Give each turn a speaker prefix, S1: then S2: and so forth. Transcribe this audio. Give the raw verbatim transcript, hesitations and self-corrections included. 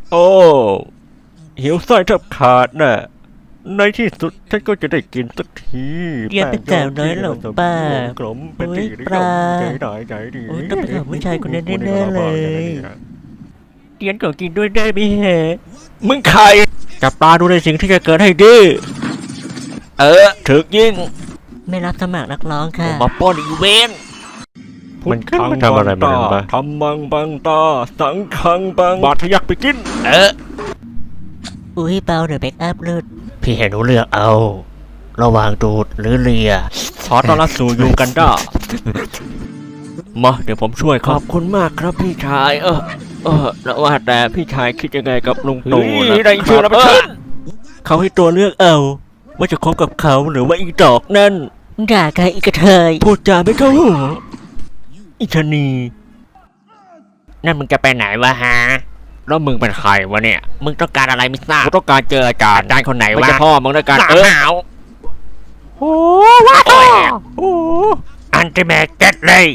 S1: โอ้หิวไส้แทบขาดน่ะในที่สุดฉันก็จะได้กินสักที
S2: เรียนเป็นแก่น้อยหลงป่าก
S1: ลมเป็น
S2: โอ้
S1: ตี
S2: ย
S1: นิ
S2: ปลา
S1: ใจหน่อยใจดี
S2: โอ้ยต้องเป็นของผู้ชายคนนั้นแน่ๆเลย เรียนก็กินด้วยได้ไหมฮะ
S1: มึงใคร
S2: จับตาดูในสิ่งที่จะเกิดให้ดี
S1: เออถึกยิง
S2: ไม่รับสมัครนักร้องค่ะ
S1: มาป้อนอีเวนต์
S3: มันมันทำอะไรมันบ้าง
S1: ทำบังบังตาสังคังบังบาดทะยักไปกิน เออ
S2: อุ้ยเบาเดี๋ยวแบ็กอัพลุด
S3: พี่เห็นหนูเลือกเอา ระหว่างดูดหรือเลีย
S1: ขอต้อนรับสู่ยูกันด้ามาเดี๋ยวผมช่วย
S3: ข
S1: ครั
S3: อ
S1: บบ
S3: คุณมากครับพี่ชาย เออ
S1: เออแล้วว่าแต่พี่ชายคิดยังไงกับลุงตู่
S3: เฮ้ย
S1: นะ
S3: ได้ชื่อแล้ว
S1: เอ
S3: มาเชิ
S1: อ
S3: ญ
S1: เขาให้ตัวเลือกเอา ว่าจะคบกับเขาหรือว่าอีดอกนั่น
S2: ด่าใครอีกกระเทย
S1: พูดจาไม่เข้าหูอีชะนี
S3: นั่นมึงจะไปไหนวะฮะ
S1: แล้วมึงเป็นใครวะเนี่ย
S3: มึงต้องการอะไรไม่ทราบ
S1: กูต้องการเจออาจารย์
S3: อาจารย์คนไหน
S1: ไม่
S3: วะ
S1: ใช่พ่อมึงด้วยกัน
S3: หนา
S1: เออ
S3: หาว
S1: โอ้ว้าโอ้
S3: อันติเมตเก็ตเลย